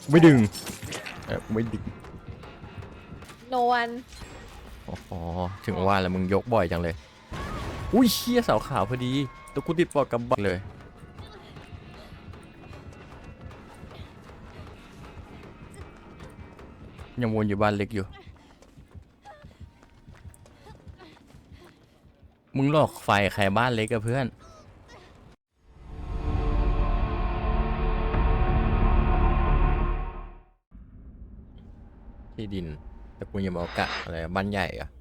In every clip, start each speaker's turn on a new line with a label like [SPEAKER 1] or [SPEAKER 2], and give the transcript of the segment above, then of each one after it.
[SPEAKER 1] ไม่ดึงไม่ดึง
[SPEAKER 2] โนวัน
[SPEAKER 1] อ๋อถึงว่าแล้วมึงยกบ่อยจังเลยอุ้ยเชี่ยเสาขาวพอดีตัวกูติดปอกกำบังเลยยังวนอยู่บ้านเล็กอยู่มึงหลอกไฟใครบ้านเล็กกับเพื่อนที่ดินแต่กูยังบอกกะอะไรบ้านใหญ่อะ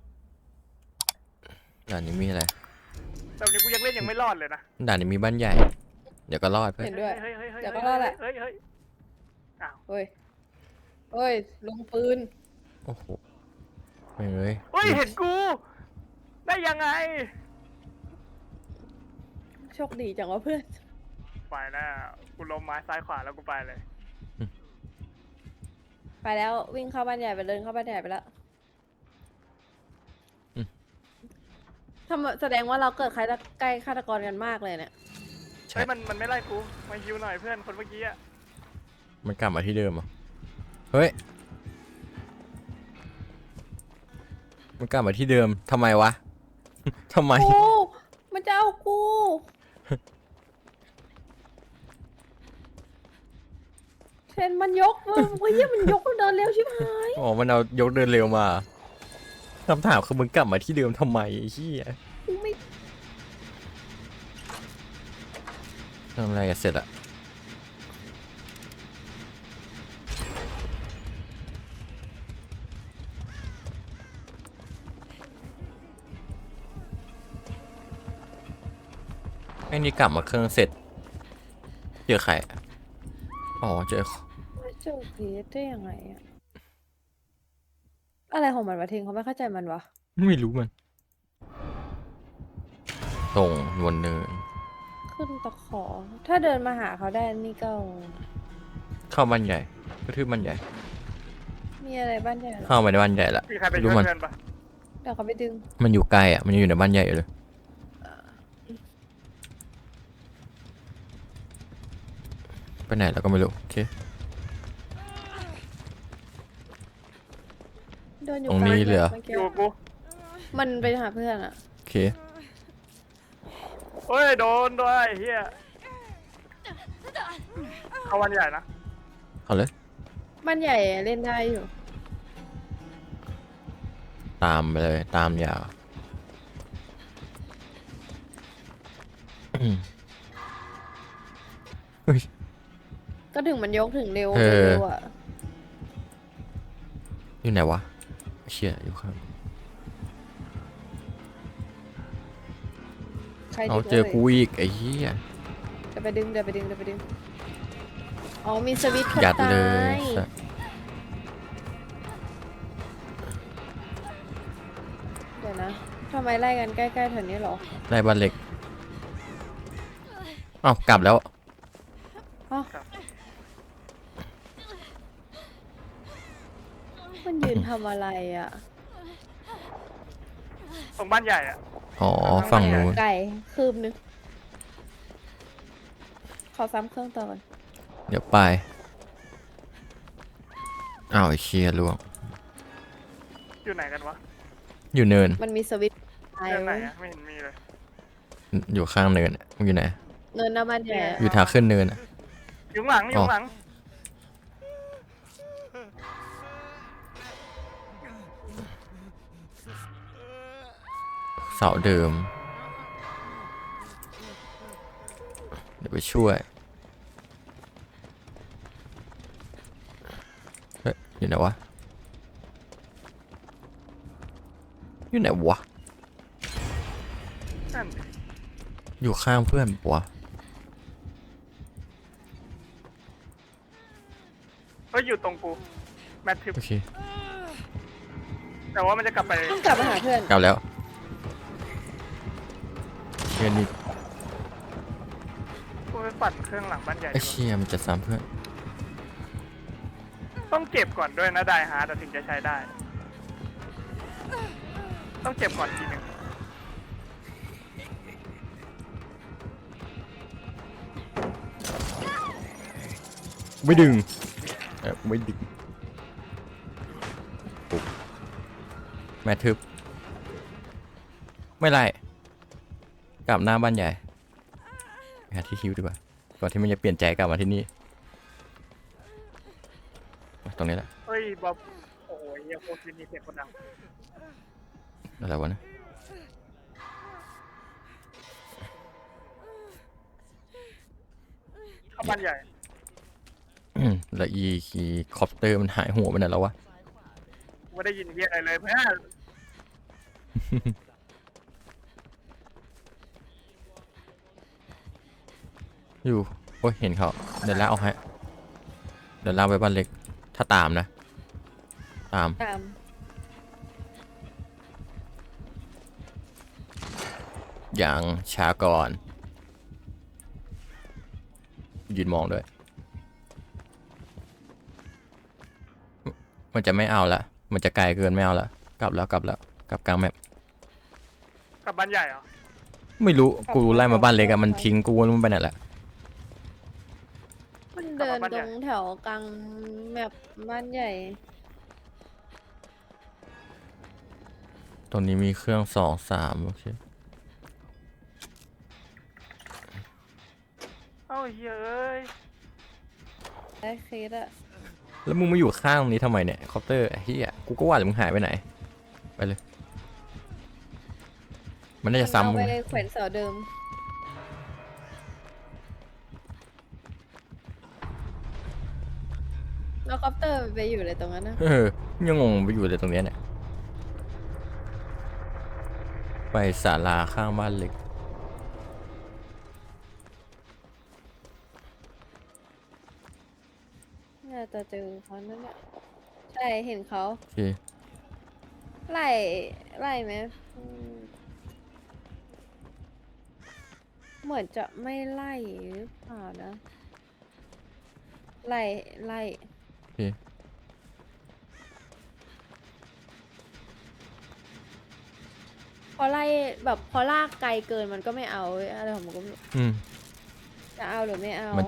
[SPEAKER 1] ด่านนี้มีอะไร
[SPEAKER 3] แต่วันนี้กูยังเล่นยังไม่รอดเลยนะ
[SPEAKER 1] ด่านนี้มีบ้านใหญ่เดี๋ยวก็รอดเพื่อน
[SPEAKER 2] เห็นด้วย
[SPEAKER 3] เฮ้ย
[SPEAKER 2] เดี๋ยวก็รอดแหละ
[SPEAKER 3] เฮ้ยอ้าว
[SPEAKER 2] เฮ้ยเฮ้ยลงปืน
[SPEAKER 1] โอ้โหไม่เลย
[SPEAKER 3] เฮ้ยเห็นกูได้ยังไง
[SPEAKER 2] โชคดีจังวะเพื่อน
[SPEAKER 3] ไปแล้วกูล้มไม้ซ้ายขวาแล้วกูไปเลย
[SPEAKER 2] ไปแล้ววิ่งเข้าบ้านใหญ่ไปเดินเข้าบ้านใหญ่ไปแล้วทำแสดงว่าเราเกิดใกล้ฆาตกรกันมากเลยเนี่ย
[SPEAKER 1] ใช่
[SPEAKER 3] เฮ้ยมันไม่ไล่กูมาฮิวหน่อยเพื่อนคนเมื่อกี้อะ
[SPEAKER 1] มันกลับมาที่เดิมอ่ะเฮ้ยมันกลับมาที่เดิมทำไมวะ ทำไม
[SPEAKER 2] กูมันจะเอากูเทรนมันยกเว้ยเฮ้ยมันยกมันเดินเร็วชิบหาย
[SPEAKER 1] อ๋อมันเอายกเดินเร็วมาคำถามคือมึงกลับมาที่เดิมทำไมไอ้เหี้ย
[SPEAKER 2] กูไม่
[SPEAKER 1] ทำอะไรกันเสร็จอะไอ้นี่กลับมาเครื่องเสร็จเจอใครอะอ๋อเจอ
[SPEAKER 2] เจอเพจได้ยังไงอะอะไรของมันวะเทงเขาไม่เข้าใจมันวะ
[SPEAKER 1] ไม่รู้มันตรงวนเนิน
[SPEAKER 2] ขึ้นตะขอ ถ้าเดินมาหาเขาได้นี่ก็
[SPEAKER 1] เข้าบ้านใหญ่ก็ทืบบ้านใหญ่
[SPEAKER 2] มีอะไรบ้านใหญ่เหรอ
[SPEAKER 1] เข้าไปในบ้านใหญ่ละ
[SPEAKER 3] มีใครไป
[SPEAKER 1] รู้
[SPEAKER 3] ช่วย
[SPEAKER 1] มัน
[SPEAKER 3] เพื่อนปะ
[SPEAKER 2] เดี๋ยวเขาไปดึง
[SPEAKER 1] มันอยู่ไกลอ่ะมันยังอยู่ในบ้านใหญ่อยู่เลยไปไหนแล้วก็ไม่รู้โอเค
[SPEAKER 2] เดินอยู่
[SPEAKER 1] ตรงนี้
[SPEAKER 2] กา
[SPEAKER 1] เลยเหรอ
[SPEAKER 2] มื่
[SPEAKER 3] อ
[SPEAKER 2] กี้
[SPEAKER 3] ยู่กับกู
[SPEAKER 2] มันไปหาเพื่อนอะ
[SPEAKER 1] โอเค
[SPEAKER 3] เฮ้ยโดนด้วยเฮียเข้าวันใหญ่นะ
[SPEAKER 1] เอาเลย
[SPEAKER 2] บ้านใหญ่เล่นได้อยู่
[SPEAKER 1] ตามไปเลยตามยาวเฮ้ย
[SPEAKER 2] ก็ถึงมันยกถึงเร็ว
[SPEAKER 1] เออ
[SPEAKER 2] เร็วอะ
[SPEAKER 1] อยู่ไหนวะเชี่ยอยู่ข้าง
[SPEAKER 2] ใคร
[SPEAKER 1] เอา
[SPEAKER 2] ดึง
[SPEAKER 1] เจอกูอีกไอ้เหี้ย
[SPEAKER 2] เดี๋ยวไปดึงเดี๋ยวไปดึงเดี๋ยวไปดึงอ๋อมีสวิตช์คน
[SPEAKER 1] ยัด
[SPEAKER 2] ตา
[SPEAKER 1] เลย
[SPEAKER 2] ย
[SPEAKER 1] สัส
[SPEAKER 2] เดี๋ยวนะทำไมไล่กันใกล้ๆแถวนี้เหรอ
[SPEAKER 1] ได้บ้านเล็กเอ้ากลับแล้ว
[SPEAKER 2] อ๋อมันยืนทำอะไรอะ
[SPEAKER 3] ตรงบ้านใหญ่อะ
[SPEAKER 1] อ๋อฝั่งนู้น
[SPEAKER 2] ไก่คืบนึงขอซ้ำเครื่องต่อก่อน
[SPEAKER 1] เดี๋ยวไปอ้าวไอ้เชียล่วง
[SPEAKER 3] อยู่ไหนกันวะ
[SPEAKER 1] อยู่เนิน
[SPEAKER 2] มันมีสวิตช์ไฟ
[SPEAKER 3] เรื่องไหน
[SPEAKER 2] ไว้
[SPEAKER 3] อะไม่เห็นมีเลย
[SPEAKER 1] อยู่ข้างเนินอะมึงอยู่ไหน
[SPEAKER 2] เนินหน้าบ้านใหญ่อะ
[SPEAKER 1] อยู่ทางขึ้นเนินอะ
[SPEAKER 3] อยู่ข้างหลังอยู่ข้างหลัง
[SPEAKER 1] เสาเดิม เดี๋ยวไปช่วย เฮ้ยอยู่ไหนวะ อยู่ไหนวะ
[SPEAKER 3] นั่นดิ
[SPEAKER 1] อยู่ข้างเพื่อนปะวะ
[SPEAKER 3] เฮ้ยอยู่ตรงกูแมททิป
[SPEAKER 1] โอเค
[SPEAKER 3] แต่ว่ามันจะกลับไป
[SPEAKER 2] ต้องกลับมาหาเพื่อน
[SPEAKER 1] กลับแล้วเชียนี่
[SPEAKER 3] กูไปปั่นเครื่องหลังบ้านใหญ่
[SPEAKER 1] ไอ้
[SPEAKER 3] ดีกว่า
[SPEAKER 1] เชียมันจะซ้ำเพื่อน
[SPEAKER 3] ต้องเก็บก่อนด้วยนะไดฮาร์ดถึงจะใช้ได้ ต้องเก็บก่อนทีหนึง
[SPEAKER 1] ไม่ดึงไม่ดึงปุ๊บแม่ทึบไม่ไรกลับหน้าบ้านใหญ่ไปหาที่ฮิวดีกว่าก่อนที่มันจะเปลี่ยนใจกลับมาที่นี่มาตรงนี้แหละ
[SPEAKER 3] เฮ้ยบ๊อบโอ้ยยังโคตรมีเสียงคนดัง
[SPEAKER 1] อะไรวะนะ
[SPEAKER 3] เข้าบ้านใหญ่
[SPEAKER 1] แล้วอีคีคอปเตอร์มันหายหัวไปไหนแล้ววะ
[SPEAKER 3] ไม่ได้ยินเรียกอะไรเลยเพื่อน
[SPEAKER 1] อยู่โอ้ยเห็นเขาเดี๋ยวลากเอาให้เดี๋ยวลากไปบ้านเล็กถ้าตามนะตาม
[SPEAKER 2] ตาม
[SPEAKER 1] อย่างช้าก่อนยืนมองด้วยมันจะไม่เอาละมันจะไกลเกินไม่เอาละกลับแล้วกลับกลางแมป
[SPEAKER 3] กลับบ้านใหญ่เหรอ
[SPEAKER 1] ไม่รู้กูไล่มาบ้านเล็กอะมันทิ้งกูมันไปไหนละ
[SPEAKER 2] มันเดินตรงแถวกลางแบบบ้านใหญ่
[SPEAKER 1] ตรงนี้มีเครื่อง2 3โอเค
[SPEAKER 3] เอ้าเฮ้ย
[SPEAKER 2] ได้เคสอะ
[SPEAKER 1] แล้วมึงมาอยู่ข้างตรงนี้ทำไมเนี่ยคอปเตอร์เฮียกูก็ว่าแต่มึงหายไปไหนไปเลยมันน่าจะซ้ำ
[SPEAKER 2] เอา
[SPEAKER 1] มึง
[SPEAKER 2] ไปแขวนเสาเดิมแล้วคอปเตอร์ไปอยู่เลยตรงนั้นนะ
[SPEAKER 1] ยังงงไปอยู่เลยตรงเนี้ยเนี่ยไปศาลาข้างบ้านเล็ก
[SPEAKER 2] น่าจะเจอเขานั่นแหละใช่เห็นเขา
[SPEAKER 1] โอเค
[SPEAKER 2] ไล่ไล่ไหมอืมเหมือนจะไม่ไล่หรือเปล่านะ ไล่ไล่
[SPEAKER 1] โอเค
[SPEAKER 2] พอไล่แบบพอลากไกลเกินมันก็ไม่เอาเว้ยอะไรของมันก็ไม่รู้
[SPEAKER 1] อืม
[SPEAKER 2] จะเอาหรือไม่เอา
[SPEAKER 1] มัน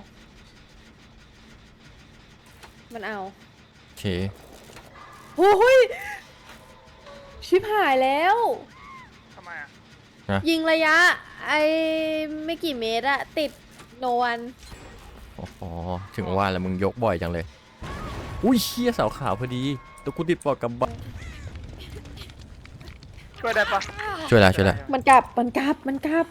[SPEAKER 2] มันเอา
[SPEAKER 1] โอเค
[SPEAKER 2] โอ้ยชิบหายแล้ว
[SPEAKER 3] ทำไมอ่ะ
[SPEAKER 2] ยิงระยะ ไอ้ไม่กี่เมตรอะติดโนวัน
[SPEAKER 1] อ๋อถึงว่าแล้วมึงยกบ่อยจังเลยอุ้ยเชี่ยเสาขาวพอดีตัวกูติดปอกกับบ้าน
[SPEAKER 3] ช่วยได้ปะ
[SPEAKER 1] ช่วยแล้วช่วยแล้ว
[SPEAKER 2] มันกลับมันกลับมันกลับ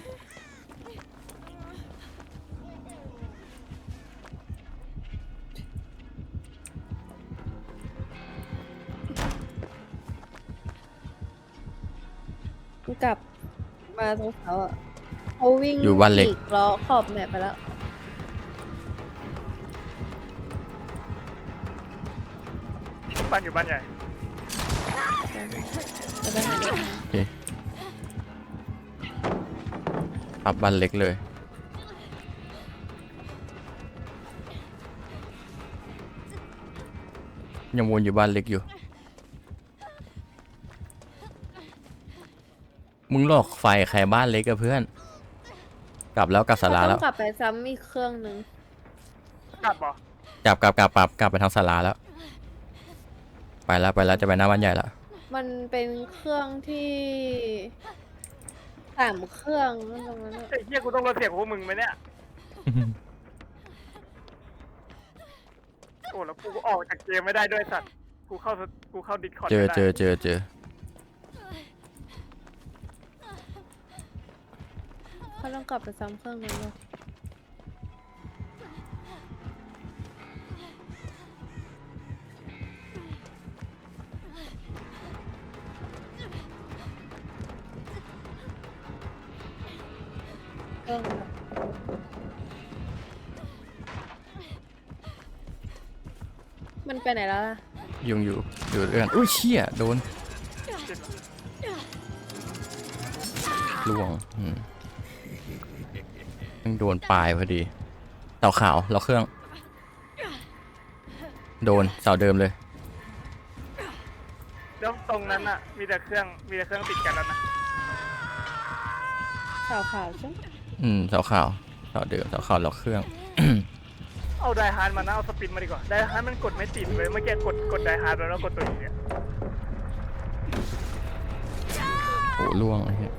[SPEAKER 2] มันกลับมาตรงเขาอะเขาวิ่ง
[SPEAKER 1] อยู่บ้านเล็ก
[SPEAKER 2] ฉีล้อขอบแมปไปแล้ว
[SPEAKER 3] บ้านอยู่บ้านใหญ่
[SPEAKER 2] จะไปหาเด็ก
[SPEAKER 1] โอเคปรับบ้านเล็กเลยยังวนอยู่บ้านเล็กอยู่มึงหลอกไฟใครบ้านเล็กกับเพื่อนกลับแล้วกลับศาลา
[SPEAKER 2] ต้
[SPEAKER 1] แล้
[SPEAKER 2] อ
[SPEAKER 1] ว
[SPEAKER 2] งกลับไปซ้ำอีกเครื่องหนึ่ง
[SPEAKER 3] กลับเหรอก
[SPEAKER 1] ลับไปทางศาลาแล้วไปแล้วจะไปหน้าบ้านใหญ่แล้ว
[SPEAKER 2] มันเป็นเครื่องที่3 เครื่องนั่นตรงนั้นอะ
[SPEAKER 3] ไอ้เหี้ยกูต้องลดเสียงของพวกมึงไหมเนี่ย โอ้แล้วกูก็ออกจากเกมไม่ได้ด้วยสัตว์ กูเข้าดิสคอร์ด
[SPEAKER 1] เจอ
[SPEAKER 3] ไม่ได้
[SPEAKER 1] เจอ
[SPEAKER 2] เขาต้องกลับไปซ้ำเครื่องนึงเลยเครื่องแบบมันไปไหนแล้วล่ะ
[SPEAKER 1] ยุงอยู่เอื้อนอุ้ยเชี่ยโดนล่วงมันโดนปลายพอดีเสาขาวเราเครื่องโดนเสาเดิมเลย
[SPEAKER 3] แล้วตรงนั้นอ่ะ มีแต่เครื่องติดกันแล้วนะ
[SPEAKER 2] ขาวใช่ไหม
[SPEAKER 1] เสาขาวเสาเดิมเสาขาวเราเครื่อง
[SPEAKER 3] อเอาไดฮาร์ดมานะเอาสปินมาดีกว่าไดฮาร์ดมันกดไม่ติดเลยเมื่อกี้กดไดฮาร์ดแล้วกดตัวอีเนี่ย
[SPEAKER 1] โอ้ล่วงไอ้เหี้ย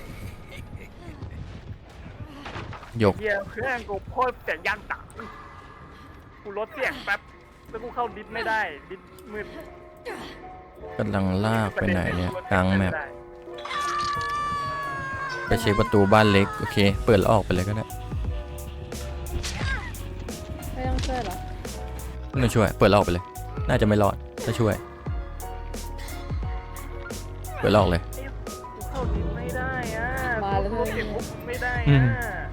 [SPEAKER 1] ยก
[SPEAKER 3] เฮียเครื่องกูโคตรเสียงยันตังกูลดเสียงแป๊บแล้วกูเข้าดิสไม่ได้ดิสมืด
[SPEAKER 1] กำลังลากไปไหนเนี่ยกลางแมปไปเช็คประตูบ้านเล็กโอเคเปิดแล้วออกไปเลยก็ได้
[SPEAKER 2] ไม่ต้องช่วยเหรอ
[SPEAKER 1] ไม่ต้องช่วยเปิดแล้วออกไปเลย น่าจะไม่รอดถ้าช่วยเปิดแล้วออกเลย
[SPEAKER 3] กูเข้าดิสไม่ได้อ่ะ
[SPEAKER 2] มาแล้ว
[SPEAKER 3] กู
[SPEAKER 2] เธอ
[SPEAKER 3] เก็บปุ๊บไม่ได้
[SPEAKER 1] อื
[SPEAKER 3] อ่
[SPEAKER 1] ม
[SPEAKER 3] ะ